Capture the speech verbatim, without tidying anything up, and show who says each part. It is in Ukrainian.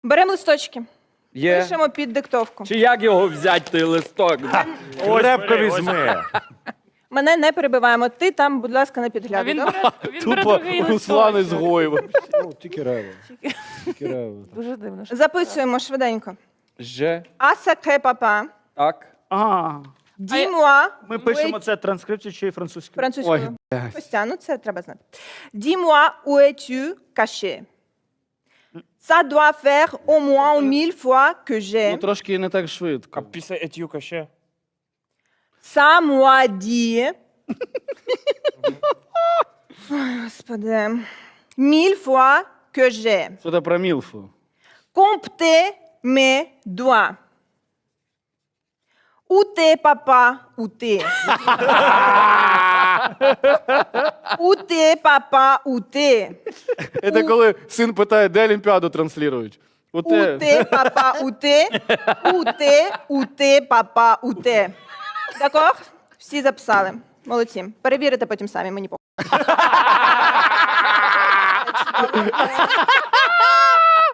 Speaker 1: Беремо листочки.
Speaker 2: Є.
Speaker 1: Пишемо під диктовку.
Speaker 2: Чи як його взяти, той листок?
Speaker 3: Крепко візьми.
Speaker 1: Мене не перебиваємо. Ти там, будь ласка, не
Speaker 4: А
Speaker 1: підглядай.
Speaker 4: він
Speaker 1: добре?
Speaker 4: бере, він бере другий
Speaker 3: Руслан
Speaker 4: листок.
Speaker 3: ізгоїв.
Speaker 5: Ну, тільки рево. Тільки рево.
Speaker 4: Дуже дивно. що-
Speaker 1: Записуємо швиденько.
Speaker 2: Ж.
Speaker 1: А сакре папа.
Speaker 2: Так.
Speaker 3: А,
Speaker 1: Dis-moi.
Speaker 3: ми пишемо це транскрипцію чи французькою?
Speaker 1: Французькою. Костя, ну це треба знати. Dis-moi où es-tu caché. Ça doit faire au moins mille fois que
Speaker 5: Ну,
Speaker 1: j'ai.
Speaker 5: трошки не так швидко.
Speaker 6: А після етюка ще?
Speaker 1: Ça moi dit. Ой, Господи. Mille fois que j'ai.
Speaker 5: Що це про Мілфу?
Speaker 1: Comptez mes doigts. Où t'es, papa? Où t'es? Où t'es, papa? Où t'es?
Speaker 5: Це коли син питає, де Олімпіаду транслюють. От
Speaker 1: Où t'es, papa? Où t'es? Où t'es? Où t'es, papa? Où t'es? D'accord? Всі записали. Молодці. Перевірите потім самі, мені похуй.